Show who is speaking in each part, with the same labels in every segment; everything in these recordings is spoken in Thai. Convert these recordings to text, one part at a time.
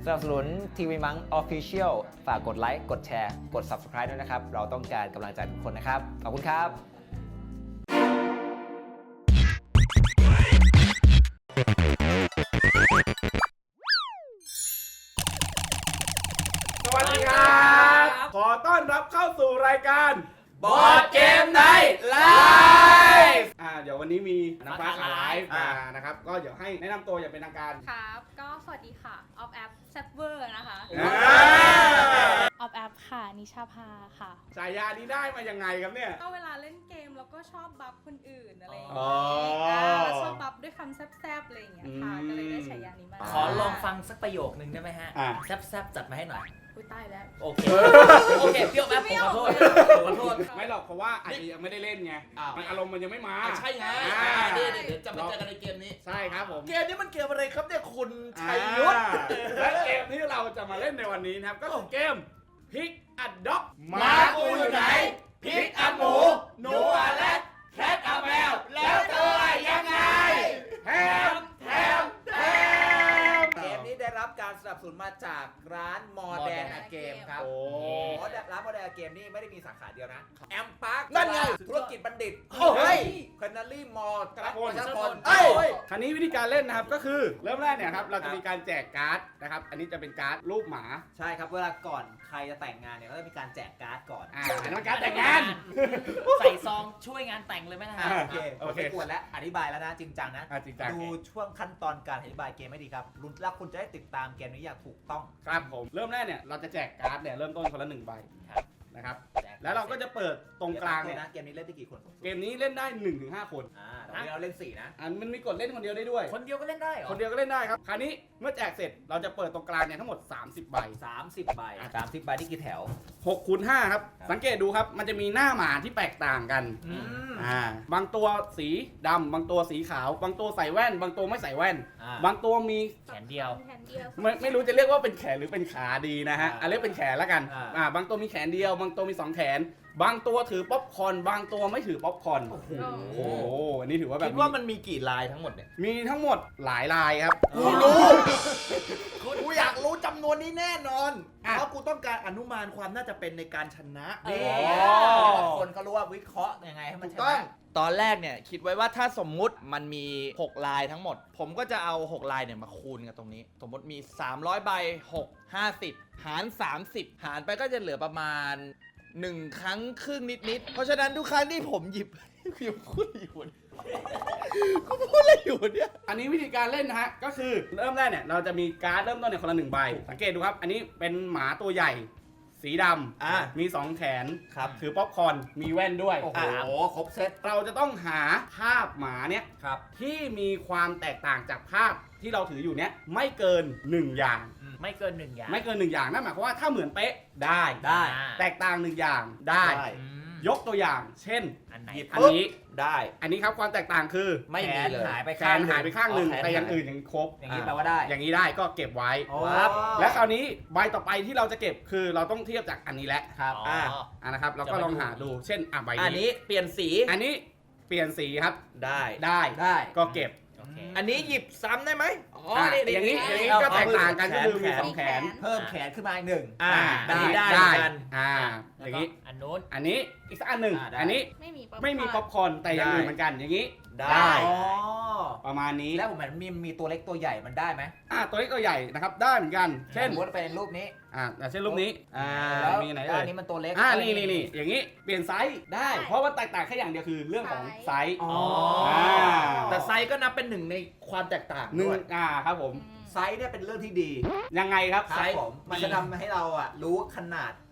Speaker 1: นับสนุนทีวีมัง Official ฝากกดไลค์กดแชร์กด Subscribe ด้วยนะครับเราต้องการกำลังใจทุกคนนะครับขอบคุณครับ
Speaker 2: สวัสดีครับขอต้อนรับเข้าสู่รายการบอร์ดเกมไนท์ไลฟ์เดี๋ยววันนี้มีน้ำฟ้าขาไลฟ์มานะครับก็เดี๋ยวให้แนะนำตัวอย่างเป็นทางการ
Speaker 3: ครับก็สวัสดีค่ะออฟแอปแซฟเวอร์นะคะออฟแอปค่ะนิชาภาค่ะ
Speaker 2: ฉายานี้ได้มายังไงครับเนี่ย
Speaker 3: ก็เวลาเล่นเกมแล้วก็ชอบบัฟคนอื่นอะไรอย่าง
Speaker 2: อ๋
Speaker 3: เงี้
Speaker 2: อ
Speaker 3: ยแล้วชอบบัฟด้วยคำแซบๆอะไรอย่างเงี้ยค่ะก็เลยได้ฉายานี้มา
Speaker 4: ขอลองฟังสักประโยคนึงได้ไหมฮะ แซบๆจัดมาให้หน่อย
Speaker 3: อุ้ยตายแล้ว
Speaker 4: โอเค โอเคเปรี้ยวแป๊บผมขอโทษผมขอโทษ
Speaker 2: ไม่หรอกเพราะว่าอาจจะยังไม่ได้เล่นไงมันอารมณ์มันยังไม่มา
Speaker 4: ใช่ไงเดี๋ยวจะมาเจอกันในเกมนี้
Speaker 2: ใช่ครับผม
Speaker 4: เกมนี้มันเกมอะไรครับเนี่ยคุณชัยยุทธ
Speaker 2: และเกมที่เราจะมาเล่นในวันนี้นะครับก็คือเกมพิกอัดด็อก
Speaker 4: หมากูอยู่ไหนพริกอัดหมูหนูอัดแรดแคทอัดแมวแล้วเธอยังไง
Speaker 2: แฮม
Speaker 5: เกมนี้ได้รับการสนับสนุนมาจากร้านมอแดนเกมครับ
Speaker 2: โอ้
Speaker 5: ร้านมอแดนเกมนี่ไม่ได้มีสาขาเดียวนะแอมพาร์ค
Speaker 4: นั่นไง
Speaker 5: ธุรกิจบัณฑิต
Speaker 4: เฮ้ย
Speaker 5: คนารี่มอลล์
Speaker 2: กระพล
Speaker 5: ประชาชน
Speaker 4: เฮ้ย
Speaker 2: คราวนี้วิธีการเล่นนะครับก็คือเริ่มแรกเนี่ยครับเราจะมีการแจกการ์ดนะครับอันนี้จะเป็นการ์ดรูปหมา
Speaker 5: ใช่ครับเวลาก่อนใครจะแต่งงานเนี่ยก็จะมีการแจกการ์ดก่อน
Speaker 2: อันนั้นการ์ดแต่งงาน
Speaker 4: ใส่ซองช่วยงานแต่งเลยไหมนะฮะ
Speaker 5: โอเคผมไม่กวนแล้วอธิบายแล้วนะจริงจังนะ
Speaker 2: จริงจัง
Speaker 5: ดูช่วงขั้นตอนการอธิบายเกมให้ดีครับแล้วคุณจะได้ติดตามเกมนี้อย่างถูกต้อง
Speaker 2: ครับผมเริ่มแรกเนี่ยเราจะแจกการ์ดเนี่ยเริ่มต้นคนละ1ใบนะครับแล้วเราก็จะเปิดตรงกลางเนี่ย
Speaker 5: นะเกมนี้เล่นได้กี่คน
Speaker 2: เกมนี้เล่นได้ 1-5 คน
Speaker 5: แต่วันนี้เราเล่น4นะ
Speaker 2: มันมีกดเล่นคนเดียวได้ด้วย
Speaker 4: คนเดียวก็เล่นได้เหรอ
Speaker 2: คนเดียวก็เล่นได้ครับคราวนี้เมื่อแจกเสร็จเราจะเปิดตรงกลางเนี่ยทั้งหมด30ใบ
Speaker 5: 30 ใบ 30 ใบนี่กี่แถว
Speaker 2: 6คูณ5ครับสังเกตดูครับมันจะมีหน้าหมาที่แตกต่างกันบางตัวสีดำบางตัวสีขาว บางตัวใส่แว่น บางตัวไม่ใส่แว่น บางตัวมี
Speaker 4: แขนเดียว
Speaker 2: ไม่รู้จะเรียกว่าเป็นแขนหรือเป็นขาดีนะฮะเรียกเป็นแขนแล้วกันบางตัวมีแขนเดียว บางตัวมี2แขน บางตัวถือป๊อปคอร์นบางตัวไม่ถือป๊อปคอร์นโอ้โหอันนี้ถือว่าแบบ
Speaker 4: คิดว่ามันมีกี่ลายทั้งหมดเนี่ย
Speaker 2: มีทั้งหมดหลายลายครับ
Speaker 5: กูรู้กูอยากรู้จำนวนนี้แน่นอนเพราะกูต้องการอนุมานความน่าจะเป็นในการชนะนี่คนก็รู้ว่าวิเคราะห์ยังไงให้มันชนะ
Speaker 6: ตอนแรกเนี่ยคิดไว้ว่าถ้าสมมุติมันมี6ลายทั้งหมด ผมก็จะเอา6ลายเนี่ยมาคูณกันตรงนี้สมมติมี300ใบ6 50หาร30หารไปก็จะเหลือประมาณ1ครั้งครึ่งนิดๆเพราะฉะนั้นทุกครั้งที่ผมหยิบ กูพูดอะไรอยู่เนี่ย
Speaker 2: อันนี้วิธีการเล่นนะฮะก็คือเริ่มแรกเนี่ยเราจะมีการ์ดเริ่มต้นเนี่ยคนละ1ใบสังเกตดูครับอันนี้เป็นหมาตัวใหญ่สีดำมี2แขนถือป๊อปคอร์นมีแว่นด้วย
Speaker 5: โอ้โหครบเซต
Speaker 2: เราจะต้องหาภาพหมาเนี่ยที่มีความแตกต่างจากภาพที่เราถืออยู่เนี่ยไม่เกิน1อย่าง
Speaker 4: ไม่เกิน1อย่าง
Speaker 2: ไม่เกิน1อย่างนั่นหมายความว่าถ้าเหมือนเป๊ะได้ แตกต่าง1อย่างได้ ยกตัวอย่างเช่น
Speaker 4: อันไหน
Speaker 2: อันนี้
Speaker 5: ได้
Speaker 2: อันนี้ครับความแตกต่างคือ
Speaker 5: ไม่มีเลยหายไป
Speaker 2: แขนหายไปข้างหนึ่งแต่อย่างอื่นยังครบ
Speaker 5: อย่างนี้แปลว่าได้
Speaker 2: อย่างนี้ได้ก็เก็บไว้
Speaker 5: ครับ
Speaker 2: และคราวนี้ใบต่อไปที่เราจะเก็บคือเราต้องเทียบจากอันนี้แหละ
Speaker 5: ครับ
Speaker 2: นะครับเราก็ลองหาดูเช่นใบ
Speaker 6: อันนี้เปลี่ยนสี
Speaker 2: อันนี้เปลี่ยนสีครับ
Speaker 6: ได้
Speaker 2: ได้ก็เก็บ
Speaker 6: อันนี้หยิบซ้ำได้ไหม
Speaker 2: อย่างนี้ก็แตกต่างกันก็คือมี2แขน
Speaker 5: เพิ่มแขนขึ้นมาอีก1
Speaker 6: อันนี้ได้เหมือนกัน
Speaker 2: อย่างนี้
Speaker 4: อันนู้น
Speaker 2: อันนี้อีกสักอันหนึ่งอันนี้ไม่มีป๊อปคอร์นแต่อย่างอื่นเหมือนกันอย่างนี้ได้ประมาณนี้
Speaker 5: แล้วผมเห็นมีตัวเล็กตัวใหญ่มันได้ไหม
Speaker 2: ตัวเล็กตัวใหญ่นะครับได้เหมือนกันเช่น
Speaker 5: สมมติเป็นรูปนี้
Speaker 2: เช่นรูปนี้
Speaker 5: แล้ว
Speaker 2: มีไหน
Speaker 5: อันนี้มันตัวเล็ก
Speaker 2: นี่อย่างนี้เปลี่ยนไซส์ได้เพราะว่าแตกต่างแค่อย่างเดียวคือเรื่องของไซส์
Speaker 6: แต่ไซส์ก็นับเป็นหนึ่งในความแตกต่าง
Speaker 2: หนึ่ง
Speaker 6: ด้วย
Speaker 2: ครับผม
Speaker 5: ไซส์เนี่ยเป็นเรื่องที่ดี
Speaker 2: ยังไงครับ
Speaker 5: ไซส์ผมมันจะทำให้เรารู้ขนาด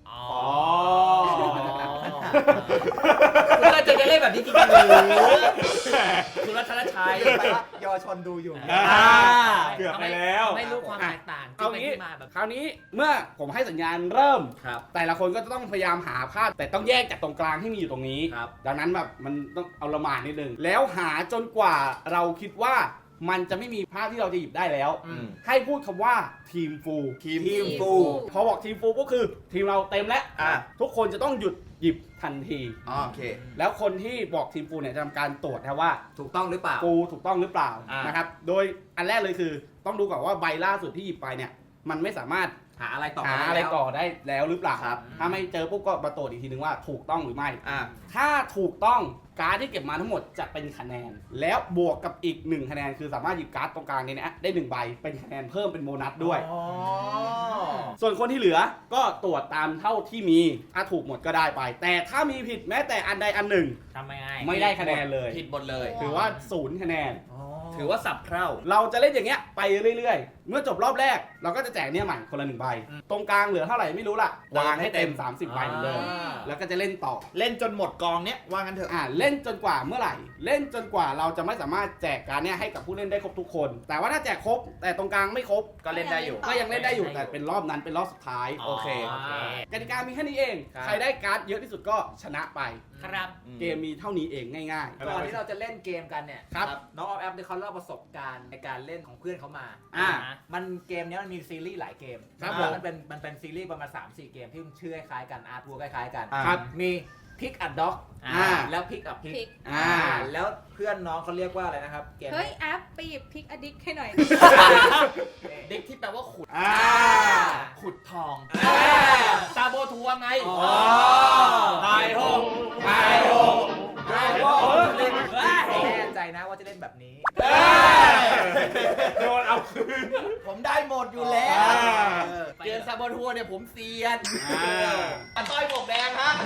Speaker 4: คุณก็จะเล่นแบบนี้จริงๆเลยคุณรัชรชัย
Speaker 5: แปลว่าเยาวชนดูอยู่
Speaker 2: เกือบไปแล้ว
Speaker 4: ไม่รู้ความแตกต่าง
Speaker 2: เอางี้
Speaker 4: มาแบบ
Speaker 2: คราวนี้เมื่อผมให้สัญญาณเริ่ม
Speaker 6: ครับ
Speaker 2: แต่ละคนก็จะต้องพยายามหาภาพแต่ต้องแยกจากตรงกลางที่มีอยู่ตรงนี้
Speaker 6: ครับ
Speaker 2: ดังนั้นแบบมันต้องเอาละหมาดนิดนึงแล้วหาจนกว่าเราคิดว่ามันจะไม่มีภาพที่เราจะหยิบได้แล้ว ให้พูดคำว่าทีมฟูพอบอกทีมฟูก็คือทีมเราเต็มแล้วทุกคนจะต้องหยุดหยิบทันที
Speaker 5: โอเค
Speaker 2: แล้วคนที่บอกทีมฟูเนี่ยจะทำการตรวจนะว่า
Speaker 5: ถูกต้องหรือเปล่า
Speaker 2: ฟูถูกต้องหรือเปล่านะครับโดยอันแรกเลยคือต้องดูก่อนว่าใบล่าสุดที่หยิบไปเนี่ยมันไม่สามารถ
Speaker 5: หาอะไรต่อ
Speaker 2: หา
Speaker 5: มา
Speaker 2: อะไร
Speaker 5: แล้ว
Speaker 2: ต่อได้แล้วหรือเปล่า
Speaker 5: ครับ
Speaker 2: ถ้าไม่เจอปุ๊บก็มาตรวจอีกทีนึงว่าถูกต้องหรือไม่
Speaker 5: อ่า
Speaker 2: ถ้าถูกต้องการ์ดที่เก็บมาทั้งหมดจะเป็นคะแนน แล้วบวกกับอีก1คะแนนคือสามารถหยิบการ์ดตรงกลางนี้นะได้1ใบเป็นคะแนนเพิ่มเป็นโบนัสด้วย
Speaker 5: อ๋อ
Speaker 2: ส่วนคนที่เหลือก็ตรวจตามเท่าที่มี ถ้าถูกหมดก็ได้ไป แต่ถ้ามีผิดแม้แต่อันใดอันหนึ่ง
Speaker 4: ทำไง
Speaker 2: ไม่ได้คะแนนเลย
Speaker 6: ผิดหมดเลย
Speaker 2: ถือว่า0คะแนน
Speaker 6: ถือว่าสับเพร่า
Speaker 2: เราจะเล่นอย่างเงี้ยไปเรื่อยๆ เมื่อจบรอบแรก เราก็จะแจกเนี่ยใหม่คนละ1ใบ ตรงกลางเหลือเท่าไหร่ไม่รู้ล่ะ วางให้เต็ม 30 ใบเหมือนเดิม แล้วก็จะเล่นต่อ
Speaker 5: เล่นจนหมดกองเนี้ยว่างั้นเถอะ
Speaker 2: เล่นจนกว่าเมื่อไหร่ เล่นจนกว่าเราจะไม่สามารถแจกการเนี่ยให้กับผู้เล่นได้ครบทุกคน แต่ว่าถ้าแจกครบ แต่ตรงกลางไม่ครบ
Speaker 6: ก็เล่นได้อยู่
Speaker 2: ก็ยังเล่นได้อยู่แต่เป็นรอบนั้นเป็นรอบสุดท้าย
Speaker 6: โอเค
Speaker 2: กติกามีแค่นี้เอง
Speaker 5: ครับ
Speaker 2: ใครได้การ์ดเยอะที่สุดก็ชนะไป
Speaker 4: ครับ
Speaker 2: เกมมีเท่านี้เองง่ายๆ
Speaker 5: ก่อนที่เราจะเล่นเกมกันเนี่ย
Speaker 2: ครับ
Speaker 5: น้องออฟแอปเนี่ยเขาเล่าประสบการณ์ในการเล่นของเพื่อนเขามา มันเกมเนี้ยมันมีซีรีส์หลายเกม
Speaker 2: ครับ
Speaker 5: แล้วมันเป็นซีรีส์ประมาณ 3-4 เกมที่ชื่อคล้ายๆกันอาร์ทัวร์คล้ายๆกัน
Speaker 2: ครับ
Speaker 5: มีพิกอัดด็อก แล้วพิกอัพพิก
Speaker 3: Pick
Speaker 5: แล้วเพื่อนน้องเขาเรียกว่าอะไรนะครับเกม
Speaker 3: เฮ้ยแอปไปหยิบพิกอดิกให้หน่อย
Speaker 6: เด็กที่แปลว่าขุด
Speaker 2: อ่า
Speaker 6: ขุดทองซาโบทัวร์ไง
Speaker 2: ไฮโฮไฮโฮไฮโฮ
Speaker 5: เล่นแน่ใจนะว่าจะเล่นแบบนี้
Speaker 2: โดนเอาคืน
Speaker 5: ผมได้หมดอยู่แล้ว
Speaker 6: เกมซาโบทัวร์เนี่ยผมเซียน
Speaker 2: อ่า
Speaker 6: ต้อยหมวกแดงฮะ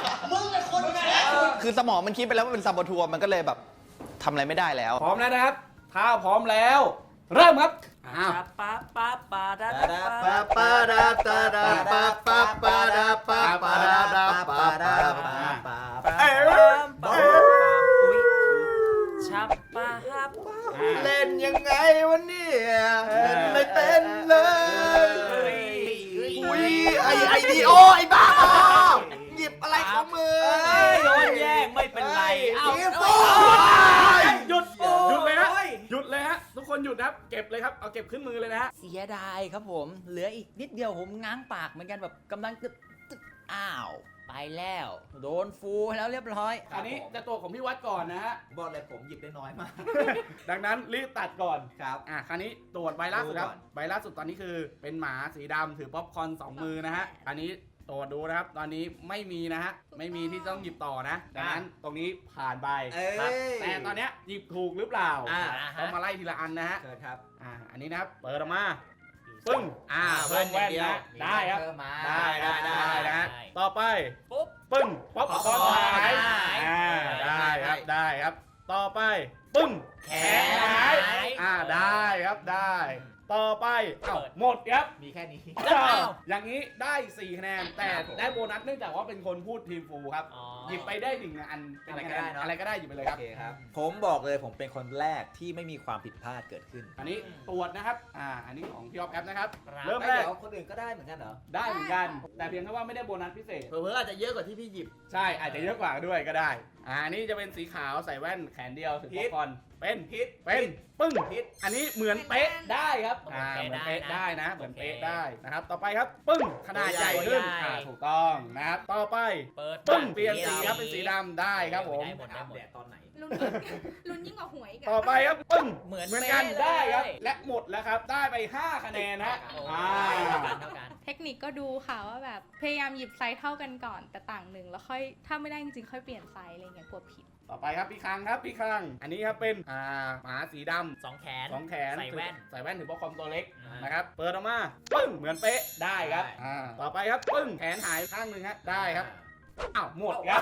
Speaker 6: คือสมองมันคิดไปแล้วว่าเป็นซาโบทัวร์มันก็เลยแบบทำอะไรไม่ได้แล้ว
Speaker 2: พร้อมแล้วนะครับ ถ้าพร้อมแล้ว เริ่มครับอ้าว
Speaker 4: ปาปาปาดา
Speaker 5: ปาปาดาตาดาปาปาปาดาปาปาดาปาปาดาปาปา
Speaker 4: อุ้ยชับปาฮับ
Speaker 5: เล่นยังไงวันนี้เล่นไม่เป็นเลยอุ้ยไอดีโอไอ้บ้าหยิบอะไรของมือ
Speaker 4: โดนแย่งไม่เป็นไรเอ้า
Speaker 2: หยุดเลยฮะหยุดเลยฮะทุกคนหยุดนะครับเก็บเลยครับเอาเก็บขึ้นมือเลยนะฮะ
Speaker 4: เสียดายครับผม เหลืออีกนิดเดียวผมง้างปากเหมือนกันแบบกำลังจะอ้าว ไปแล้ว โดนฟูแล้วเรียบร้อย
Speaker 2: อันนี้จะตัวของพี่วัดก่อนนะฮะ
Speaker 5: บอกเลยผมหยิบได้น้อยมาก
Speaker 2: ดังนั้นรีบตัดก่อน
Speaker 5: ครับ
Speaker 2: คราวนี้ตรวจใบล่าสุดครับ
Speaker 5: ดูก่อน
Speaker 2: ใบล่าสุดตอนนี้คือเป็นหมาสีดำถือป๊อปคอร์น2 มือนะฮะอันนี้ตรวจดูนะครับตอนนี้ไม่มีนะฮะไม่มีที่ต้องหยิบต่อนะดังนั้นตรงนี้ผ่านไป
Speaker 5: เอ้
Speaker 2: ครับ
Speaker 5: ย
Speaker 2: แต่ตอนเนี้ยหยิบถูกหรือเปล่า
Speaker 5: อ่า
Speaker 2: ต้องมาไล่ทีละอันนะฮะ
Speaker 5: เชิญครับ
Speaker 2: อันนี้นะครับเปิดออกมาปึ้งเพิ่มแว่นนะได้ครับ
Speaker 5: เพิ่มมา
Speaker 2: ได้นะฮะต่อไป
Speaker 4: ปุ๊บ
Speaker 2: ปึ้งป๊อปคอร์นหายได้ครับต่อไปปึ้งแขนหายได้ครับได้ ต่อไปหมดครับ
Speaker 5: มีแค่นี้
Speaker 2: อย่างนี้ได้4คะแนนแต่ได้โบนัสเนื่องจากว่าเป็นคนพูดทีมฟูครับหยิบไปได้1อันเป็นคะแนนอะไรก็ได้หยิบไปเลยครับ
Speaker 5: โอเคครับ ผมบอกเลยผมเป็นคนแรกที่ไม่มีความผิดพลาดเกิดขึ้น
Speaker 2: อันนี้ตรวจนะครับอันนี้ของพี่ออฟแอปนะครับ
Speaker 4: ครับ
Speaker 2: เริ่ม
Speaker 5: ไม่
Speaker 2: แรก
Speaker 5: เดี๋ยวคนอื่นก็ได้เหมือนกันเหรอ
Speaker 2: ได้เหมือนกัน แต่เพียงแค่ว่าไม่ได้โบนัสพิเศษ
Speaker 6: เผื่อๆอาจจะเยอะกว่าที่พี่หยิบ
Speaker 2: ใช่อาจจะเยอะกว่าด้วยก็ได้อันนี้จะเป็นสีขาวใส่แว่นแขนเดียวถือป๊อปคอร์นเป็นปึ้งอันนี้เหมือนเป๊ะได้ครับเหมือนเป๊ะได้นะเหมือนเป๊ะได้นะครับต่อไปครับปึ้งขนาดใหญ่ขึ้นถูกต้องนะครับต่อไป
Speaker 4: เปิด
Speaker 2: ปึ้งเปลี่ยนสีครับเป็นสีดำได้ครับผม
Speaker 4: ได้หมดได้หมด
Speaker 5: แดดตอนไหน
Speaker 3: ลุ้นยิ่งกว่าหวยอีก
Speaker 2: ต่อไปครับปึ้ง
Speaker 4: เหมือน
Speaker 2: กัน
Speaker 4: เป๊ะเลย
Speaker 2: ได้ครับและหมดแล้วครับได้ไป5คะแนนฮะ
Speaker 4: โอ้
Speaker 2: อ่า
Speaker 4: เท่ากัน
Speaker 3: เทคนิคก็ดูค่ะว่าแบบพยายามหยิบไซส์เท่ากันก่อนแต่ต่างหนึ่งแล้วค่อยถ้าไม่ได้จริงๆค่อยเปลี่ยนไซส์อะไรเงี้ยกลัวผิด
Speaker 2: ต่อไปครับพี่คังครับพี่คังอันนี้ครับเป็นหมาสีดำ
Speaker 4: สองแขน
Speaker 2: สองแขน
Speaker 4: ใส่แว่น
Speaker 2: ใส่แว่นถือว่าคอมตัวเล็ก
Speaker 4: อ่าน
Speaker 2: นะครับเปิดออกมาปึ้งเหมือนเป๊ะได้ครับต่อไปครับปึ้งแขนหายข้างหนึ่งฮะได้ครับอ้าวหมดครับ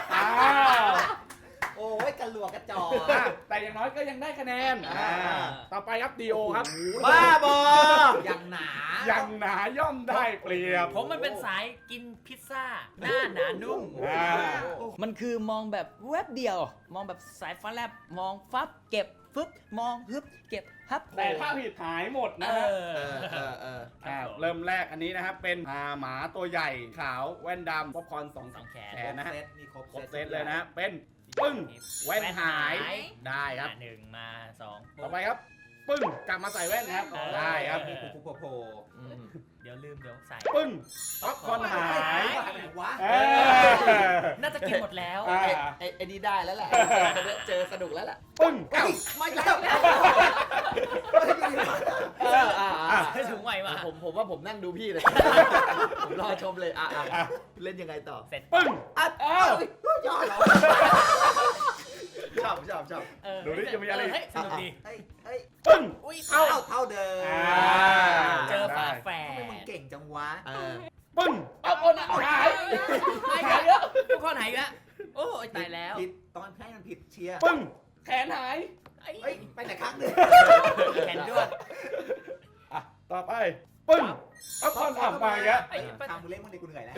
Speaker 5: โอ้ยกระหลวกกระจอก
Speaker 2: แต่อย่างน้อยก็ยังได้คะแนนต่อไปครับดีโอครับ
Speaker 6: บ้าบอ
Speaker 5: อย่างหนา
Speaker 2: ยังหนาย่อมได้เปรียบ
Speaker 4: ผมมันเป็นสายกินพิซซ่า หน้าหนานุ่ม มันคือมองแบบแวบเดียว มองแบบสายฟ้าแลบ มองฟับเก็บฟึบมองฮึบเก็บฮับ
Speaker 2: แต่ถ้าผิดหายหมดนะฮะเริ่มแรกอันนี้นะครับเป็นหมาตัวใหญ่ขาวแว่นดำป๊อปคอร์น2
Speaker 4: สองแขน
Speaker 2: แขนนะฮะ
Speaker 5: มีครบ
Speaker 2: ครบเซตเลยนะฮะเป็นปึ้งแว่นหายได้ครับ
Speaker 4: หนึ่งมาสอง
Speaker 2: ต่อไปครับปึ้งกลับมาใส่แว่นครับได้ครับ
Speaker 5: มีโผล่
Speaker 4: เดี๋ยวลืมเดี๋ยวใส่
Speaker 2: ปึ้งป๊อปคอร์นหาย
Speaker 5: ไหนวะ
Speaker 4: น่าจะกินหมดแล้ว
Speaker 6: ไอ้นี่ได้แล้วแหละเจอสนุกแล้วแหละ
Speaker 2: ปึ้งเอ้า
Speaker 5: ไม่แล้ว
Speaker 4: ถึงไหวมา
Speaker 5: ผมว่าผมนั่งดูพี่เลย ผมรอชมเลยเล่นยังไงต่อ
Speaker 4: เสร็จ
Speaker 2: ปึ้ง
Speaker 5: ยอดเหรอชอบ
Speaker 2: ดูดิจะมีอะไร
Speaker 4: เฮ้ยสนุกดี
Speaker 5: เฮ้ย
Speaker 2: ปึ้ง
Speaker 4: อุ้ย
Speaker 5: เท่าเดิม
Speaker 4: เจอฝาแฝ
Speaker 5: ทำไมมึง
Speaker 4: ด
Speaker 5: เก่งจังวะ
Speaker 2: ปึ้งเอาคนหาย
Speaker 4: หายแล้วทุกคนหายแล้วโอ้ยตายแล้ว
Speaker 5: ผิดตอนให้มันผิดเชียร์
Speaker 2: ปึ้งแขนหาย
Speaker 5: เฮ้ยไปไหนครั้งหนึ่ง
Speaker 4: แขนด้วน
Speaker 2: อ่ะต่อไปปึ้งเอาคนทำมาอีกแล้ว
Speaker 5: ทำมึงเล่นมึงดิกูเหนื่อยแล้ว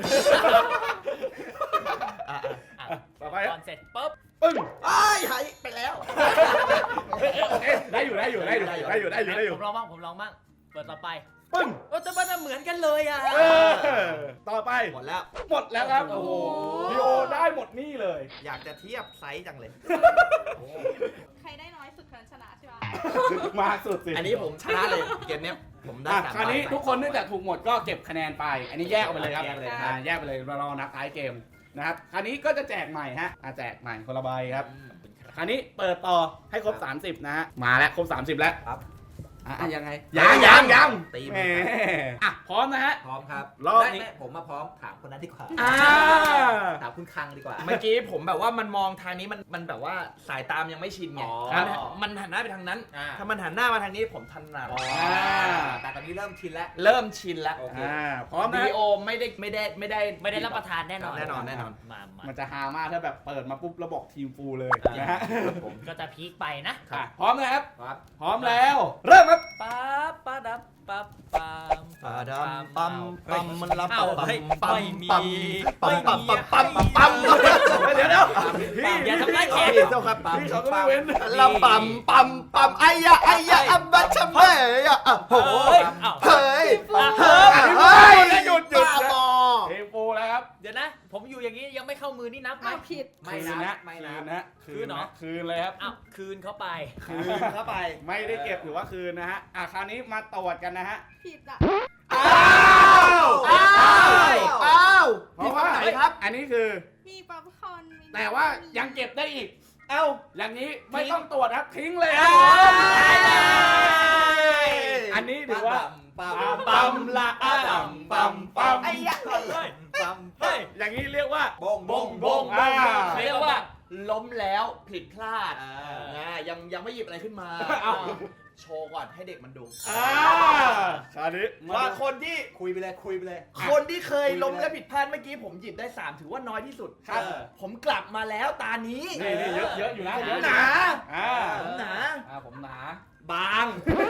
Speaker 2: ต่อไป
Speaker 4: ก่อนเสร็จปุ๊บ
Speaker 2: ปึ้ง
Speaker 5: หายไปแล้ว
Speaker 2: ได้อยู่
Speaker 4: ผมลองบ้างเปิดต่อไป
Speaker 2: ปึ้ง
Speaker 4: แต่มันเหมือนกันเลยอ่ะ
Speaker 2: ต่อไป
Speaker 5: หมดแล้ว
Speaker 2: หมดแล้วครับโอ้โหดีโอได้หมดนี่เลย
Speaker 5: อยากจะเทียบไซส์จังเลย
Speaker 3: ใครได้น้อยสุดคนนั้นชนะใช่ปะ
Speaker 2: มาสุดสิ
Speaker 5: อันนี้ผมชนะเลยเกมเนี้ยผมได้
Speaker 2: อ่ะ
Speaker 5: 3
Speaker 2: คราวนี้ทุกคนเนื่องจากถูกหมดก็เก็บคะแนนไป อันนี้แยกออกไปเลยครับ
Speaker 5: แยกไปเลย
Speaker 2: แยกไปเลยรอนับท้ายเกมนะครับคราวนี้ก็จะแจกใหม่ฮะแจกใหม่คนละใบครับคราวนี้เปิดต่อให้ครบ 30 นะฮะมาแล้วครบ 30 แล้ว
Speaker 5: ครับ
Speaker 2: ยังไง
Speaker 5: ยัง
Speaker 2: ตี
Speaker 5: ตี
Speaker 2: แห
Speaker 5: มื
Speaker 2: ม
Speaker 5: อ
Speaker 2: พร้อมนะฮะ
Speaker 5: พร้อมครับ
Speaker 2: รอบนี้
Speaker 5: ไม่ผมมาพร้อมถามคนนั้นดีกว่า
Speaker 2: อ่า
Speaker 5: ถามคุณคังดีกว่า
Speaker 6: เมื่อกี้ผมแบบว่ามันมองทางนี้มันแบบว่าสายตามยังไม่ชินไง
Speaker 5: อ๋อ
Speaker 6: มันหันหน้าไปทางนั้น
Speaker 5: อ่า
Speaker 6: ถ้ามันหันหน้ามาทางนี้ผมถนัด
Speaker 5: แต่ตอนนี้เริ่มชินแล้ว
Speaker 6: เริ่มชินแล้ว
Speaker 5: โอเค
Speaker 2: พร้อมนะ
Speaker 6: วิดีโอไม่ได้
Speaker 4: รับประทานแน่นอน
Speaker 6: แน่นอน
Speaker 4: มา
Speaker 2: มันจะฮามากถ้าแบบเปิดมาปุ๊บแล้วบอกทีมฟูลเลยนะฮะ
Speaker 4: ก็จะพีคไปนะ
Speaker 2: พร้อมนะครับ
Speaker 5: ครับ
Speaker 2: พร้อมแล้ว เริ่มครับ
Speaker 4: ปั๊บปั๊บปั๊บปั๊บ
Speaker 5: ปาดำปั๊มปั๊มมันรับ
Speaker 4: อ้าว
Speaker 5: ปั๊ม
Speaker 4: เฮ้ย
Speaker 5: ปั๊ม
Speaker 4: ไม่มี
Speaker 5: ปั๊มปั๊ม
Speaker 4: ไม่
Speaker 5: ปั๊ม
Speaker 4: มี
Speaker 5: ปั๊มปั๊มปั๊ม
Speaker 2: เดี๋ยวพี่
Speaker 4: อย่าทำร้ายแขก
Speaker 5: เจ้าครับปั๊ม
Speaker 2: พี่เขาก็ไม่เว้น
Speaker 5: ลำปั๊มปั๊มปั๊มไอ้ยะอัมบัชเมย์อ่ะโอ้โห
Speaker 4: เฮ้ยอ้าว
Speaker 5: เฮ้ย
Speaker 2: เฮ้ยหยุด
Speaker 5: บ้าบอ
Speaker 2: ทีมฟูลแล้วครับ
Speaker 4: เดี๋ยวนะ ผมอยู่อย่างนี้ยังไม่เข้ามือนี่นับไหม
Speaker 3: อ้าวผิด
Speaker 5: ไม่
Speaker 2: คืน
Speaker 5: นะ
Speaker 2: นะ
Speaker 5: ไม่
Speaker 2: คื
Speaker 5: นะ
Speaker 2: นนะ
Speaker 4: คืนเหรอ
Speaker 2: คืนเลยครับ
Speaker 4: อ้าวคืนเขาไป
Speaker 5: คืนเข้าไป
Speaker 2: ไม่ได้เก็บหรือว่าคืนนะฮะคราวนี้มาตรวจกันนะฮะ
Speaker 3: ผิดอ่ะ
Speaker 2: อ้าว เพราะว่า
Speaker 5: ไหนครับ
Speaker 2: อันนี้คือ
Speaker 3: มีป๊อปคอร์นมี
Speaker 2: แต่ว่ายังเก็บได้อีก
Speaker 5: เอ้า
Speaker 2: อย่างนี้ไม่ต้องตรวจครับทิ้งเลยครับอันนี้ถือว่า
Speaker 5: ปั๊ม
Speaker 2: ปั๊มละปั๊ม
Speaker 5: ไอ้ยะปั๊ม
Speaker 4: เฮ้ย
Speaker 2: อย่างนี้เรียกว่า
Speaker 5: บง
Speaker 6: เรียกว่าล้มแล้วผิดพลาด
Speaker 5: อ่า
Speaker 6: ยังไม่หยิบอะไรขึ้นมา
Speaker 2: เอ้า
Speaker 6: โชว์ก่อนให้เด็กมันดู
Speaker 2: คราวนี้
Speaker 6: ว่าคนที่
Speaker 5: คุยไปเลยคุยไปเลย
Speaker 6: คนที่เคยล้มและผิดพลาดเมื่อกี้ผมหยิบได้ 3 ถือว่าน้อยที่สุด
Speaker 5: ครับ
Speaker 6: ผมกลับมาแล้วตานี้
Speaker 2: นี่เยอะอยู่นะ
Speaker 6: ผม
Speaker 2: เยอะ
Speaker 6: หนา
Speaker 5: ผมหนา
Speaker 2: ผมหนา
Speaker 6: บาง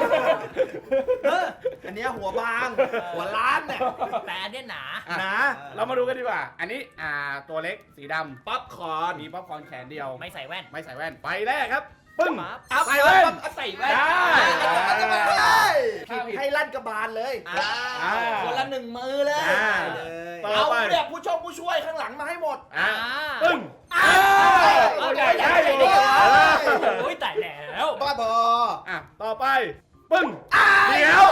Speaker 6: อันเนี้ยหัวบาง หัวล้านเนี่ย
Speaker 4: แต่อันเนี้ยหนา
Speaker 6: หนา
Speaker 2: เรามาดูกันดีกว่า อันนี้ตัวเล็กสีดำ
Speaker 6: ป๊อปคอร์น
Speaker 2: มีป๊อปคอร์นแขนเดียว
Speaker 4: ไม่ใส่แว่น
Speaker 2: ไม่ใส่แว่นไปแรกครับปึ้ง
Speaker 6: เอา
Speaker 2: ใส่แว่น
Speaker 6: ใส่แว่น
Speaker 2: ได้
Speaker 6: ให้ลั่นกระบาลเลย คนละ1 มือเลย
Speaker 2: ต่อ
Speaker 6: เอา
Speaker 2: ไป
Speaker 6: เนี่ยผู้ช่วยข้างหลังมาให้หมด
Speaker 2: ปึ้งตัวใหญ่ได้อยู่
Speaker 4: โอ้ยแต่แล้ว
Speaker 5: บ้าบอ
Speaker 2: ต่อไปปึ้งเดี๋ยว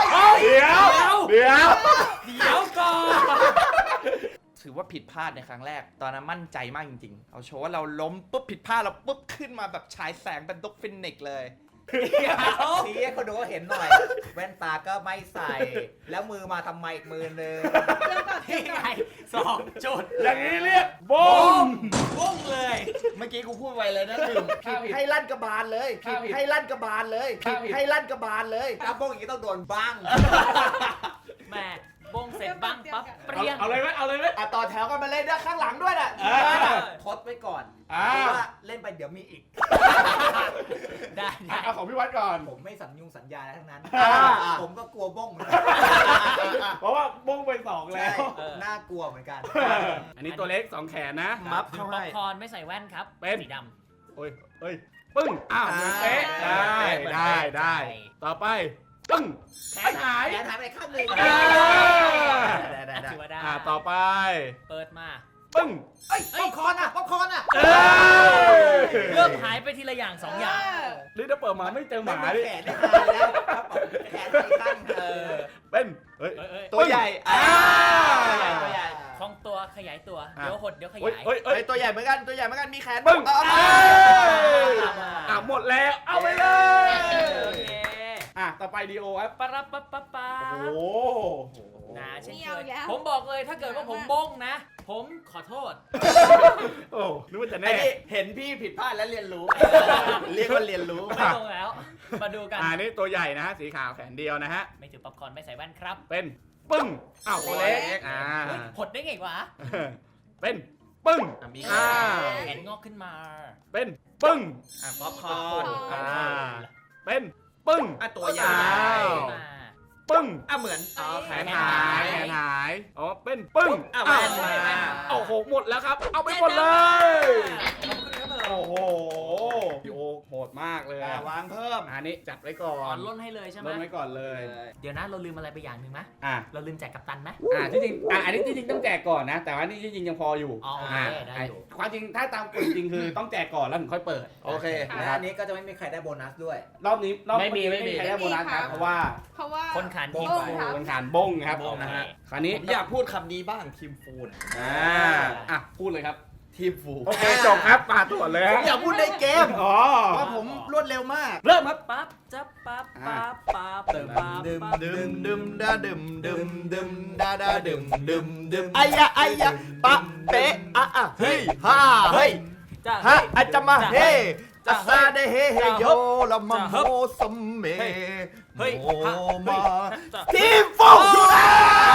Speaker 4: ก่อน
Speaker 6: ถือว่าผิดพลาดในครั้งแรก ตอนนั้นมั่นใจมากจริงๆ เอาโชว์ว่าเราล้มปุ๊บผิดพลาดเราปุ๊บขึ้นมาแบบฉายแสงเป็นด็อกฟินิกซ์เลย
Speaker 5: ชี้ให้คนดูก็เห็นหน่อย แว่นตาก็ไม่ใส่ แล้วมือมาทำไมอีกมือนึง
Speaker 4: ที่ไง2 จุด
Speaker 2: อย่างนี้เรียกบง
Speaker 4: บุ้งเลย
Speaker 6: เมื่อกี้กูพูดไวเลยนะลืม
Speaker 2: ผิด
Speaker 6: ให้ลั่นกระบาลเลย ให้ลั่นกระบาลเลย ให้ลั่นกระบาลเลย
Speaker 5: ถ้าโป้งอย่างนี้ต้องโดนบ้าง
Speaker 4: แม่บุ้งเสร็จบ้างปั๊บเปรี้ยง
Speaker 2: เอาเลยไหม
Speaker 6: ต่อแถวกันมาเล่นด้วยข้างหลังด้วยน่ะ
Speaker 5: ทดไว้ก่อน
Speaker 2: อ่า
Speaker 5: เพราะว่าเล่นไปเดี๋ยวมีอีก
Speaker 4: ได้
Speaker 2: เอาของพี่วัดก่อน
Speaker 5: ผมไม่สัญญาอะไรทั้งนั้น
Speaker 2: อ่า
Speaker 5: ผมก็กลัวบ้งเหมือนกัน
Speaker 2: เพราะว่าบงไป2
Speaker 5: ใช่
Speaker 2: แล้ว
Speaker 5: น่ากลัวเหมือนกัน
Speaker 2: อันนี้ตัวเล็ก2 แขนนะ
Speaker 6: มัฟ
Speaker 4: ป๊
Speaker 6: เข้า
Speaker 4: อ
Speaker 6: ให้
Speaker 4: ปคอร์นไม่ใส่แว่นครับ
Speaker 2: เป็น
Speaker 4: สีด
Speaker 2: โอ้ยปึ้งเหมือนเป๊ะได้ ต่อไปปึ้งแขนหาย
Speaker 5: แขนหายไปข้างหนึ่ง
Speaker 2: อ่า
Speaker 4: ำถือว่าได้
Speaker 2: ต่อไป
Speaker 4: เปิดมา
Speaker 2: ปึ้ง
Speaker 5: เอ้ยป๊อปคอร์นอ่ะ
Speaker 4: เริ่มหายไปทีละอย่าง 2 อย่าง
Speaker 2: นี่ถ้าเปิดมาไม่เจอหมา
Speaker 5: ไม่
Speaker 2: ดิ
Speaker 5: แขนได้หายแล้วครับแขนหายข้าง
Speaker 2: เป็นเฮ้ย
Speaker 6: ตัวใหญ่
Speaker 5: ตัวใหญ่
Speaker 4: คล่องตัวขยายตัว เดี๋ยวหดเดี๋ยวข
Speaker 2: เฮ้ย
Speaker 4: ยาย
Speaker 2: เฮ้ย
Speaker 6: เอ้ยตัวใหญ่เหมือนกันมีแขน
Speaker 2: ปึ้ง
Speaker 6: เอา
Speaker 2: หมดแล้วเอาไปเลย
Speaker 4: โอเค
Speaker 2: ต่อไปไปดีโอครับ
Speaker 4: ปะรับปะปะปะ
Speaker 2: โอ้โห
Speaker 4: นะเช่น
Speaker 3: นี่
Speaker 4: เค
Speaker 3: เอา
Speaker 4: ย
Speaker 3: อีกแล้ว
Speaker 4: ผมบอกเลยถ้าเกิดว่าผมบ้งนะ ผมขอโทษ
Speaker 2: โอ้นึกว่าจะ
Speaker 5: ไอ้
Speaker 2: แน่
Speaker 5: นี่เห็นพี่ผิดพลาดแล้วเรียนรู้ เรียกว่าเรียนรู้
Speaker 4: ไม่ตรงแล้ว มาดูกัน
Speaker 2: นี่ตัวใหญ่นะฮะสีขาวแขนเดียวนะฮะ
Speaker 4: ไม่ถือป๊อปคอร์นไม่ใส่แว่นครับ
Speaker 2: เป็นปึ้งอ้าวตัวเล็ก
Speaker 4: เฮ้ยหดได้ไงวะ
Speaker 2: เป็นปึ้ง
Speaker 5: มี
Speaker 2: อ่า
Speaker 4: แขนงอกขึ้นมา
Speaker 2: เป็นปึ้ง
Speaker 5: ป๊อปคอร์น
Speaker 2: อ่าเป็นปึ้ง
Speaker 5: ตัวใหญ่
Speaker 2: อ้าว
Speaker 4: มา
Speaker 2: ปึ้ง
Speaker 5: เหมือน
Speaker 2: แขนหายแขนหายอ๋อเป็นปึ้ง
Speaker 5: แว่นมา
Speaker 2: โอ้โหหมดแล้วครับ เอาไปหมดเลย
Speaker 4: ขอบคุณครับผม
Speaker 2: โอ้โหพี่โอโหดมากเลย
Speaker 5: วางเพิ่ม
Speaker 2: อันนี้จัดไว้ก่อ
Speaker 4: อ๋อน ล้นให้เลยใช่ไหม
Speaker 2: ลดไว้ก่อนเลย
Speaker 4: เดี๋ยวนะเราลืมอะไรไปอย่างหนึ่งไหม
Speaker 2: อ่ะ
Speaker 4: เราลืมแจกกัปตันไหม
Speaker 2: ที่จริงอันนี้ที่จริงต้องแจกก่อนนะ แต่ว่านี่ที่จริงยังพออยู่
Speaker 4: อ๋อโอเคได้อยู่
Speaker 2: ความจริงถ้าตามกฎจริงคือต้องแจกก่อนแล้วถึงค่อยเปิด
Speaker 5: โอเค และอันนี้ก็จะไม่มีใครได้โบนัสด้วย
Speaker 2: รอบนี้รอบ
Speaker 4: ไม่มี
Speaker 2: ใครได้โบนัสครับเพราะว่า
Speaker 3: เพราะว่า
Speaker 4: คนขานทีม
Speaker 3: โอ้
Speaker 4: ไป
Speaker 3: ครับ
Speaker 2: คนขานบงครับนะฮะคราวนี้
Speaker 5: ผมอยากพูดคำนี้บ้างทีมฟูน
Speaker 2: พูดเลยครับ
Speaker 5: ทีมฟู
Speaker 2: โอเคจบครับมาตรวจเลย
Speaker 5: ผ
Speaker 2: ฮะ
Speaker 5: มอยากพูดในเกม
Speaker 2: อ๋อ
Speaker 5: ว่าผมรวดเร็วมาก
Speaker 2: เริ่มครับ
Speaker 4: ปั๊บจับปั๊บปั๊บปั๊บ
Speaker 5: ดึม
Speaker 4: ปั๊บ
Speaker 5: ดึม
Speaker 4: ปั๊บ
Speaker 5: ดึมดึมดาดึมดึมดึมดาดาดึมดึมดึมไอ้ยะไอ้ยะปะเป๊ะอ่ะเฮ้ยฮ่าเฮ้ย
Speaker 4: จ้า
Speaker 5: ฮะอาจจะมาเฮจะ
Speaker 4: จ้ะ
Speaker 5: ซาได้เฮเฮโยละมัมโฮสมเม
Speaker 4: เฮ้ย
Speaker 5: โม
Speaker 4: ฮะ
Speaker 5: มา
Speaker 4: จ้า
Speaker 5: ทีมฟูอยู่แล้ว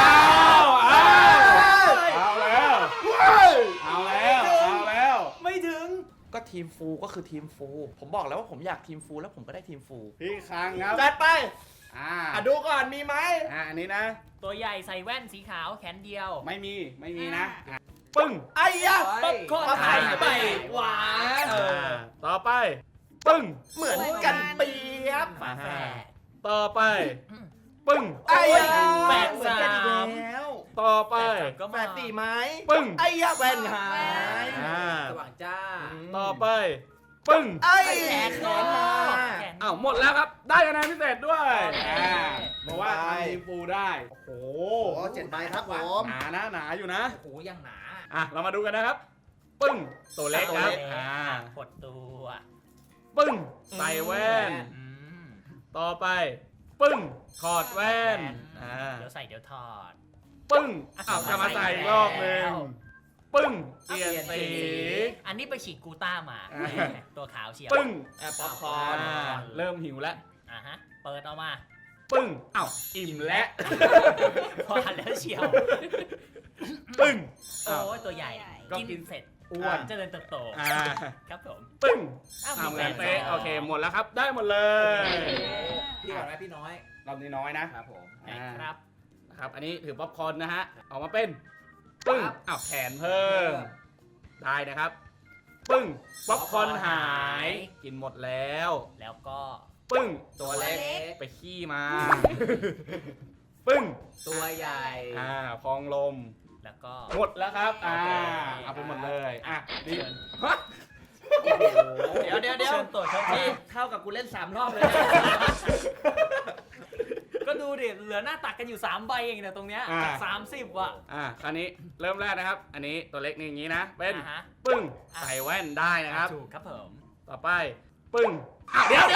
Speaker 2: เอาแล้วเอาแล้ว
Speaker 4: ไม่ถึง
Speaker 6: ก็ทีมฟูก็คือทีมฟู ผมบอกแล้วว่าผมอยากทีมฟูแล้วผมก็ได้ทีมฟู
Speaker 2: พี่คังครับ
Speaker 5: จัดไป
Speaker 2: อ่า
Speaker 5: ดูก่อนมีไหม
Speaker 2: อันนี้นะ
Speaker 4: ตัวใหญ่ใส่แว่นสีขาวแขนเดียว
Speaker 2: ไม่มีนะปึ้ง
Speaker 5: ไอ้ยะ
Speaker 4: ป๊อปคอร์นหายไปหวาน
Speaker 2: ต่อไปปึ้ง
Speaker 5: เหมือนกันเปียบ
Speaker 4: ฝาแฝด
Speaker 2: ต่อไปปึ้ง
Speaker 5: ไอ้ยะ
Speaker 4: แฝด
Speaker 5: เหมือนกันอีก
Speaker 4: สาม
Speaker 5: แล้ว
Speaker 2: ต่อไป
Speaker 4: ก็
Speaker 5: แฝ
Speaker 4: มา
Speaker 5: ดสี่ไม้
Speaker 2: ปึ้ง
Speaker 5: ไอ้ยะแว่นหาย
Speaker 4: สว่างจ้า
Speaker 2: ต่อไปปึ้ง
Speaker 5: ไอ้
Speaker 4: แขน
Speaker 5: แข
Speaker 4: งอน
Speaker 5: หาก
Speaker 4: แขน
Speaker 2: อ้าวหมดแล้วครับ ได้คะแนนพิเศษด้วย
Speaker 4: โอเค
Speaker 2: เพราะว่าทำทีมฟูได้ โอ้โห
Speaker 5: โอ้7ใบครับผม
Speaker 2: หนาอยู่นะ
Speaker 4: โอ้โหยังหนา
Speaker 2: เรามาดูกันนะครับ ปึ้ง ตัวเล็กครับ
Speaker 4: กดตัว
Speaker 2: ปึ้ง ใส่แว่น
Speaker 4: อืม
Speaker 2: ต่อไป ปึ้ง ถอดแว่น
Speaker 4: เดี๋ยวใส่เดี๋ยวถอด
Speaker 2: ปึ้งจะมาใส่อีกรอบหนึงปึ้ง เปลี่ยนสี
Speaker 4: อันนี้ไปฉีดกูต้ามา
Speaker 2: อ่า
Speaker 4: ตัวขาวเชียว
Speaker 2: ปึ้ง
Speaker 5: ป๊อปคอร์น
Speaker 2: เริ่มหิวแล้ว
Speaker 4: ฮะ เปิดออกมา
Speaker 2: ปึ้ง อิ่มแล้ว
Speaker 4: พอหันแล้วเชียว
Speaker 2: ปึ้ง
Speaker 4: โอ้ยตัวใหญ่
Speaker 2: ก็
Speaker 4: กิน
Speaker 2: กิน
Speaker 4: เสร็จ
Speaker 2: อ้วน
Speaker 4: เจริญเติบโต ครับผม
Speaker 2: ปึ้ง
Speaker 4: อ้าว
Speaker 2: เหมือน
Speaker 4: แฟ
Speaker 2: เป๊ะ
Speaker 4: น
Speaker 2: โอเค หมดแล้วครับ ได้หมดเลย
Speaker 5: พี่ก่อนไหมพี่น้อย
Speaker 2: รอบนี้น้อยนะครับ
Speaker 5: ผม
Speaker 4: ครับ
Speaker 2: นะครับ อันนี้ถือป๊อปคอร์นนะฮะ ออกมาเป็น ปึ้ง แขนเพิ่ม ได้นะครับ ปึ้ง ป๊อปคอร์นหาย กินหมดแล้ว
Speaker 4: แล้วก็
Speaker 2: ปึ้ง ตัวเล็ก ไปขี้มา ปึ้ง
Speaker 5: ตัวใหญ่
Speaker 2: พองลม
Speaker 4: แล้วก็
Speaker 2: หมดแล้วครับ
Speaker 4: โอเค
Speaker 2: เอาไปหมดเลยนี่
Speaker 5: เดี๋ยว
Speaker 4: เชิญตรวจครับ
Speaker 5: นี่
Speaker 4: พี่
Speaker 5: เท่ากับกูเล่น3รอบเลย
Speaker 4: ก็ดูดิ เหลือหน้าตักกันอยู่ 3 ใบเองเนี่ยตรงเนี้ยจาก30 ว่ะ
Speaker 2: คราวนี้เริ่มแรกนะครับ อันนี้ตัวเล็กนี่อย่างนี้นะ เป็น
Speaker 4: ฮะ
Speaker 2: ปึ้ง ใส่แว่นได้นะครับ
Speaker 4: ถูกครับผม
Speaker 2: ต่อไป ปึ้ง เดี๋ยว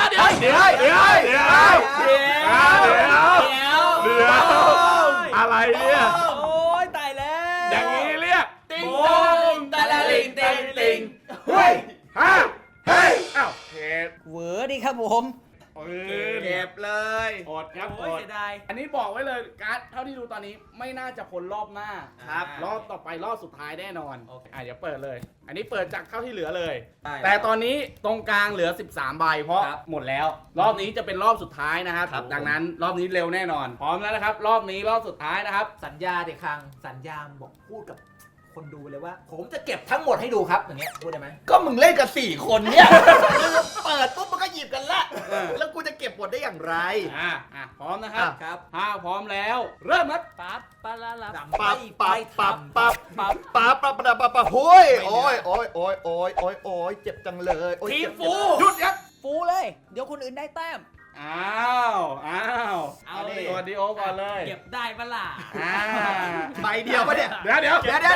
Speaker 2: อะไรเนี่ย
Speaker 4: โอ้ยตายแล้ว
Speaker 2: อย่างนี้เรียก
Speaker 5: ติงตองตะละลิงติงติง
Speaker 2: เฮ้ยเฮ้ยเก็บ
Speaker 4: เหวอดีครับผม
Speaker 5: เก็บเลย
Speaker 2: อดครับ
Speaker 4: โอ้ยเสียดาย
Speaker 2: อันนี้บอกไว้เลยการ์ดเท่าที่ดูตอนนี้ไม่น่าจะพ้นรอบหน้า
Speaker 5: ครับ
Speaker 2: รอบต่อไปรอบสุดท้ายแน่นอน
Speaker 5: โอเค
Speaker 2: อย่าเปิดเลย อันนี้เปิดจากเท่าที่เหลือเลย
Speaker 5: ได้
Speaker 2: แต่ตอนนี้ตรงกลางเหลือ 13 ใบเพราะ
Speaker 5: ครับ
Speaker 2: หมดแล้ว รอบนี้จะเป็นรอบสุดท้ายนะครับ
Speaker 5: ครับ
Speaker 2: ดังนั้นรอบนี้เร็วแน่นอน พร้อมแล้วนะครับ รอบนี้รอบสุดท้ายนะครับ
Speaker 5: สัญญาเด็กครั้งสัญญาบอกพูดกับคนดูเลยว่า ผมจะเก็บทั้งหมดให้ดูครับอย่างเงี้ยพูดได้ไหมก็มึงเล่นกับ4คนเนี่ย เปิดปุ๊บมันก็หยิบกันละแล้วกูจะเก็บหมดได้อย่างไร
Speaker 2: พร้อมนะครับ
Speaker 5: ครับ
Speaker 2: ถ้าพร้อมแล้ว เริ่มครับ
Speaker 4: ปั๊บปะละละ
Speaker 5: ปั๊บปั๊บปั๊บปั๊บปั๊บปั๊บปั๊บปั๊บปั๊บโอ้ยโอ้ยโอ้ยโอ้ยโอ้ยโอ้ยโอ้ยเจ็บจังเลยโอ้ย
Speaker 4: ทีม
Speaker 5: เจ็บ
Speaker 4: ฟู
Speaker 2: หยุดครับ
Speaker 4: ฟูเลย เดี๋ยวคนอื่นได้แต้ม
Speaker 2: อ้าว
Speaker 4: เอาดิ
Speaker 2: ตัวดีโอก่อนเลย
Speaker 4: เก็บได้ปะล่ะ
Speaker 5: ใบเดียวปะเนี่ย
Speaker 2: เดี๋ยว
Speaker 5: เดี๋ยว
Speaker 3: เดี๋ยว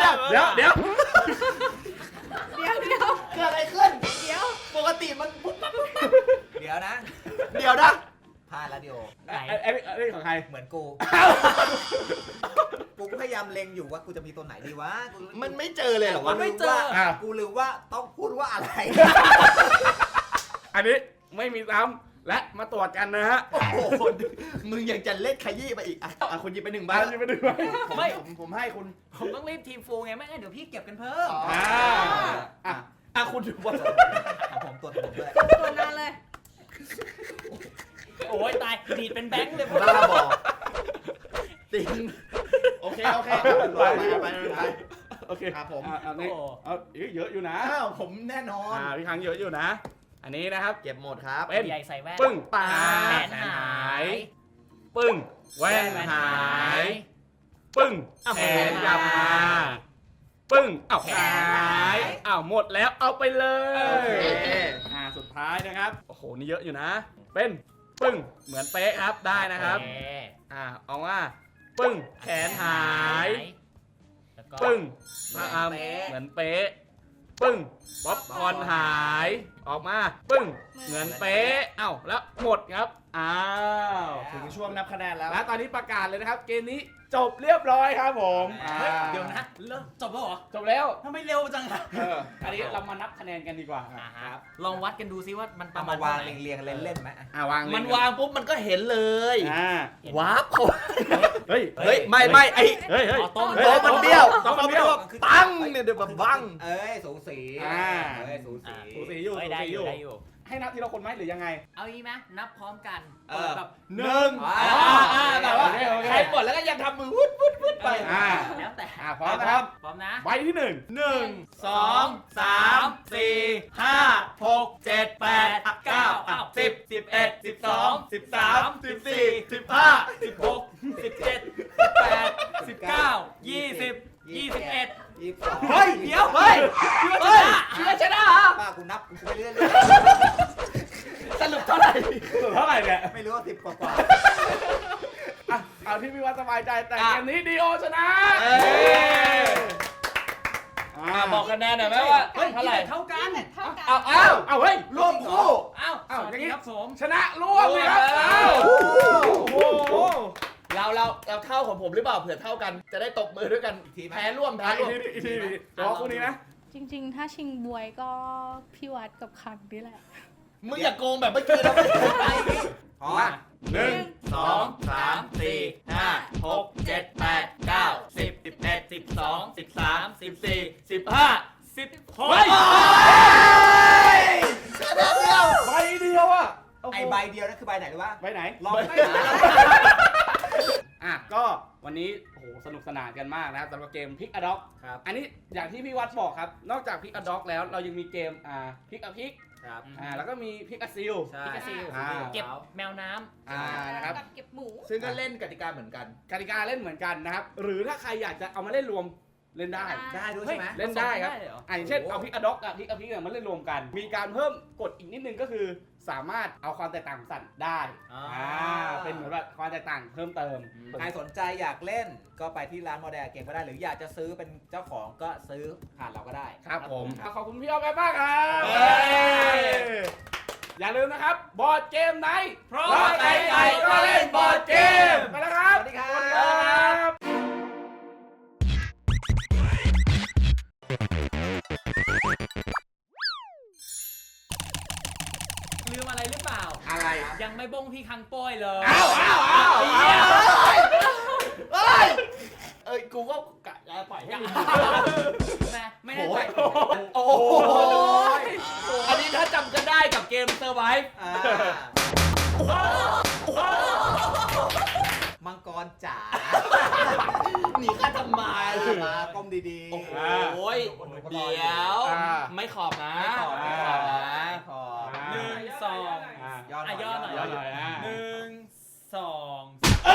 Speaker 5: เกิดอะไรขึ้น
Speaker 3: เดี๋ยว
Speaker 5: ปกติมันปุ๊บปั๊บปุ๊บปั๊บเดี๋ยวนะพลาดแล้วดิโอ
Speaker 4: ไหน
Speaker 2: ไอ้ของใคร
Speaker 5: เหมือนกู กูก็พยายามเล็งอยู่ว่ากูจะมีตัวไหนดีวะกู
Speaker 6: มันไม่เจอเลยเหรอวะ
Speaker 5: ไม่เจอกูลืมว่าต้องพูดว่าอะไร
Speaker 2: อันนี้ไม่มีซ้ำและมาตรวจกันนะฮะ
Speaker 6: โอ้โหมึงยังจะเล่นขยี้ไปอีกอ่ะคุณหยิบไป1ใบ
Speaker 2: บ้านจะไปดูไหม
Speaker 4: ไม่
Speaker 6: ผมให้คุณ
Speaker 4: ผมต้องรีบทีมฟูลไงไม่งั้นเดี๋ยวพี่เก็บกันเพิ่ม
Speaker 2: อ่ะคุณดูว่า
Speaker 5: ของผมตัวผมด้วย
Speaker 3: ตัวนานเลย
Speaker 4: โอ้ยตายดีดเป็นแบงค์เลย
Speaker 6: บ้าบอกติงโอเคไป
Speaker 2: โอเค
Speaker 6: ครับผม
Speaker 2: เอานี่เอาเยอะอยู่นะ
Speaker 6: อ้าวผมแน่นอน
Speaker 2: พี่ครั้งเยอะอยู่นะ อันนี้นะครับ
Speaker 6: เก็บหมดครับ
Speaker 2: เป็น
Speaker 4: ใหญ่ใส่แว่น
Speaker 2: ปึ้ง
Speaker 6: ปลา
Speaker 4: แขนหาย
Speaker 2: ปึ้งแว่นหาย ปึ้งแขนกลับมาปึ้งแขนหายหมดแล้วเอาไปเลย
Speaker 6: โอเค
Speaker 2: สุดท้ายนะครับโอ้โหนี่เยอะอยู่นะ เป็นปึ้งเหมือนเป๊ะครับได้นะครับ
Speaker 4: โอเค
Speaker 2: เอาว่าปึ้งแขนหาย
Speaker 4: แล้วก็
Speaker 2: ปึ้ง
Speaker 5: เหมือนเป๊ะ
Speaker 2: เหมือนเป๊ะปึ้งป๊อปคอร์นหายออกมาปึ้งเหมือนเป๊ะแล้วหมดครับ
Speaker 6: ถึงช่วงนับคะแนนแล้ว
Speaker 2: และตอนนี้ประกาศเลยนะครับ เกมนี้จบเรียบร้อยครับผม
Speaker 4: เฮ้ยเดี๋ยวนะเริ่มจบแล้วเหรอ
Speaker 2: จบแล้ว
Speaker 4: ทำไมเร็วจังอะ
Speaker 2: อันนี้เรามานับคะแนนกันดีกว่า
Speaker 4: ลองวัดกันดูซิว่ามันป
Speaker 5: เอา
Speaker 4: ระมา
Speaker 5: มา
Speaker 4: ณ
Speaker 5: วาง
Speaker 4: เท่ไห
Speaker 5: เรียงๆเล่นๆไหม
Speaker 2: วาง
Speaker 6: มันวางปุ๊บมันก็เห็นเลย วาร์ปเขา
Speaker 2: เฮ้ย
Speaker 6: เฮ้ยไม่ไอ้
Speaker 2: เฮ้ย
Speaker 4: อ๋อโต๊ะ
Speaker 6: โต๊ะมันเบี้ยว
Speaker 2: โต๊ะมันเบี้ยว
Speaker 6: ตั้งเนี่ยเดี๋ยวแบบบัง
Speaker 5: เอ้ยสูสี
Speaker 2: สู
Speaker 5: สู
Speaker 2: สี
Speaker 5: สี
Speaker 2: อยู่
Speaker 4: เฮ้ยได้อยู่ได้อยู่
Speaker 2: ให้นับทีละคนไหมหรือยังไง
Speaker 4: เอางี้ไหมนับพร้อมกัน
Speaker 5: เออ
Speaker 4: แบบ
Speaker 6: แต่ว่า
Speaker 2: โอเคโอเค
Speaker 6: ใครหมดแล้วก็ยังทำมือวุดไป
Speaker 4: แล้วแต่
Speaker 2: พร้อมนะครับ
Speaker 4: พร้อมนะ
Speaker 2: ใบที่หนึ่ง
Speaker 6: 1 2 3 4 5 6 7 8 9 10 11 12 13 14 15
Speaker 4: 16 17 18 19 20 21
Speaker 5: 22
Speaker 6: เฮ้ย
Speaker 4: เดี๋ยว
Speaker 6: เฮ้ย
Speaker 4: พี่ว่า
Speaker 6: เฮ้ย
Speaker 4: ชนะ
Speaker 6: พี่ว่าชนะเหรอ
Speaker 5: ป้ากูนับกูไปเรื่อย
Speaker 6: สรุปเท่าไหร่
Speaker 2: เท่าไหร่เนี่ย
Speaker 5: ๆไม่รู้ว่า10กว่า
Speaker 2: เอาที่พี่วัดสบายใจแต่เกมนี้ดีโอชนะ
Speaker 6: บอกคะแนนหน่อยไหมว่า
Speaker 4: เฮ้ย
Speaker 6: เท่าไหร่
Speaker 4: เท่ากัน
Speaker 3: เท่ากัน
Speaker 2: เอาเฮ้ย
Speaker 6: ร่วมคู่
Speaker 4: อ้าว
Speaker 2: อ้าว
Speaker 4: สวัส
Speaker 2: อย่าง
Speaker 4: ดี
Speaker 2: งี้
Speaker 4: ครับผม
Speaker 2: ชนะร่วมเลยครับ
Speaker 6: โอ้โหเราเท่าของผมหรือเปล่าเผื่อเท่ากันจะได้ตบมือด้วยกันแพ้ร่วม
Speaker 2: อีกทีรอคู่นี้นะ
Speaker 3: จริงๆ ถ้าชิงบวยก็พี่วัดกับคังนี่แหละ
Speaker 6: มึงอย่าโกงแบบเมื่อกี้นะไม่ได้
Speaker 5: ๆพอ
Speaker 6: 1 2 3 4 5 6 7 8 9 10 11 12 13 14 15
Speaker 4: 16
Speaker 2: เฮ้ยใบเดียวอ่ะ
Speaker 5: ไอใบเดียวนั่นคือใบไหนหรือวะ
Speaker 2: ใบไหน
Speaker 5: ลองไป
Speaker 2: ก็วันนี้โอ้โหสนุกสนานกันมากนะครับสำหรับเกมพิกอะด็อก
Speaker 5: ครับ
Speaker 2: อันนี้อย่างที่พี่วัดบอกครับ นอกจากพิกอะด็อกแล้วเรายังมีเกมพิกอะพิก
Speaker 5: ครับ
Speaker 2: แล้วก็มีพิกอะซิล
Speaker 5: ใช่
Speaker 4: พิกาซิล เก็บแมวน้ำ
Speaker 2: นะครับ
Speaker 3: กับเก็บหมู
Speaker 6: ซึ่งก็เล่นกติกาเหมือนกัน
Speaker 2: กติกาเล่นเหมือนกันนะครับ หรือถ้าใครอยากจะเอามาเล่นรวมเล่นได้
Speaker 5: ได้ด้วยใช่ไหม
Speaker 2: เล่นได้ครับ
Speaker 4: เลยเหรอ
Speaker 2: อย่างเช่นเอาพิกอะด็อกกับพิกอะพิกมาเล่นรวมกัน มีการเพิ่มกฎอีกนิดนึงก็คือ สามารถเอาความแตกต่างของสัตว์ได้ เป็นเหมือนแบบความแตกต่างเพิ่มเติม
Speaker 5: ใครสนใจอยากเล่นก็ไปที่ร้านโมเดลเกมก็ได้ หรืออยากจะซื้อเป็นเจ้าของก็ซื้อผ่านเราก็ได้
Speaker 2: ครับผม
Speaker 5: ครับ
Speaker 2: ขอบคุณพี่อ้อมแอมมากครับ
Speaker 6: เย้
Speaker 2: อย่าลืมนะครับ บอร์ดเกมไหน
Speaker 6: เพราะไก่ๆก็เล่นบอร์ดเกม
Speaker 2: ไปแล้วครับ
Speaker 5: สวัสดีครับ
Speaker 2: สวัสดีครับ
Speaker 4: ลืมอะไรหรือเปล่า
Speaker 2: อะไร
Speaker 4: ยังไม่บ้งพี่คังโป้ยเลย
Speaker 2: อ้าว
Speaker 6: เอ้ยกูก็กะจะปล่อยให้มึง
Speaker 4: ไม่ได้ไป
Speaker 6: โอ้โหอันนี้ถ้าจำกันได้กับเกมเซอร์ไวฟ์
Speaker 5: อ่ามังกรจ๋า
Speaker 6: หนีข้าทำไม
Speaker 5: มาก้มดีๆ
Speaker 6: โอ้โหเดี๋ยว ไม่ขอบนะ
Speaker 5: ไม่ขอบ
Speaker 6: ไม่ขอบนะ
Speaker 5: ไม่ขอบ
Speaker 4: 1 2
Speaker 5: ย่อหน่อย
Speaker 4: ย่อหน่อย
Speaker 2: ย่อหน่อยนะ
Speaker 4: 1 2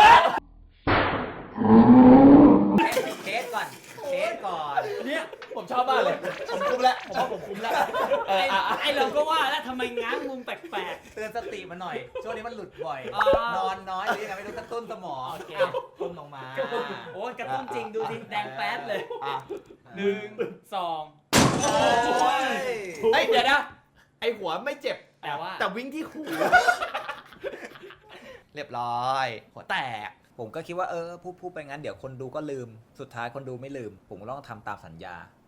Speaker 5: เคสก่อน เคสก่อน
Speaker 6: เนี่ยผมชอบมากเลย ผมคุ้มแล้ว ผมว่าผมคุ้มแล้ว
Speaker 4: ไอเราก็ว่าแล้วทำไมง้างมุมแปลก
Speaker 5: เตือนสติมาหน่อย ช่วงนี้มันหลุดบ่อย
Speaker 4: อ๋อ
Speaker 5: นอนน้อยหรือยังไงไม่รู้กระตุ้นสมอง
Speaker 4: โอเค
Speaker 5: ตุ้นลงมา
Speaker 4: ๆ โอ้ยกระตุ้นจริงดูสิแดงแป๊ดเลย 1 2
Speaker 5: โอ้ย
Speaker 6: เฮ้ยเดี๋ยวนะ ไอหัวไม่เจ็บ
Speaker 4: แต่ว่า
Speaker 6: แต่วิ่งที่หูเรียบร้อย หัวแตก
Speaker 5: ผมก็คิดว่าพูดไปงั้นเดี๋ยวคนดูก็ลืม สุดท้ายคนดูไม่ลืม ผมก็ต้องทำตามสัญญา